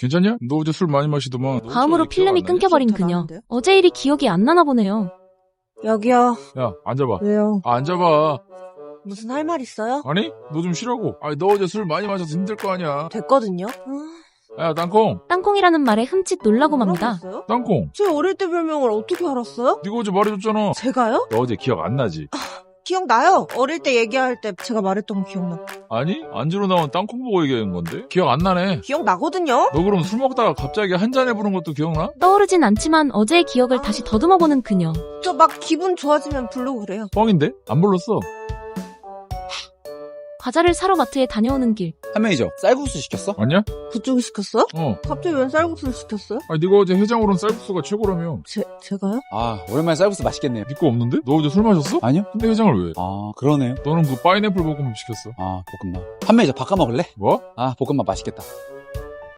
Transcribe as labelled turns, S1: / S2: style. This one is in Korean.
S1: 괜찮냐? 너 어제 술 많이 마시더만.
S2: 다음으로 필름이 끊겨버린
S3: 기억 다
S2: 그녀.
S3: 나는데요?
S2: 어제 일이 기억이 안 나나 보네요.
S3: 여기요.
S1: 야, 앉아봐.
S3: 왜요?
S1: 앉아봐.
S3: 무슨 할 말 있어요?
S1: 아니? 너 좀 쉬라고. 아니, 너 어제 술 많이 마셔서 힘들 거 아니야.
S3: 됐거든요.
S1: 야, 땅콩.
S2: 땅콩이라는 말에 흠칫 놀라고 맙니다.
S3: 뭐라고 했어요?
S1: 땅콩.
S3: 제 어릴 때 별명을 어떻게 알았어요?
S1: 네가 어제 말해줬잖아.
S3: 제가요?
S1: 너 어제 기억 안 나지?
S3: 기억나요. 어릴 때 얘기할 때 제가 말했던 거 기억나.
S1: 아니? 안주로 나온 땅콩 보고 얘기한 건데? 기억 안 나네.
S3: 기억나거든요.
S1: 너 그럼 술 먹다가 갑자기 한 잔에 부른 것도 기억나?
S2: 떠오르진 않지만 어제의 기억을 다시 더듬어보는 그녀.
S3: 저 막 기분 좋아지면 부르고 그래요.
S1: 뻥인데? 안 불렀어.
S2: 과자를 사러 마트에 다녀오는 길.
S4: 한 매니저 쌀국수 시켰어?
S1: 아니야?
S3: 그쪽이 시켰어요? 갑자기 웬 쌀국수를 시켰어요?
S1: 아니, 네가 어제 해장으로는 쌀국수가 최고라며.
S3: 제가요?
S4: 아 오랜만에 쌀국수 맛있겠네요.
S1: 믿고 없는데? 너 어제 술 마셨어?
S4: 아니요?
S1: 근데 해장을 왜?
S4: 아 그러네요.
S1: 너는 그 파인애플 볶음밥 시켰어.
S4: 아 볶음밥. 한 매니저 바꿔 먹을래?
S1: 뭐?
S4: 아 볶음밥 맛있겠다.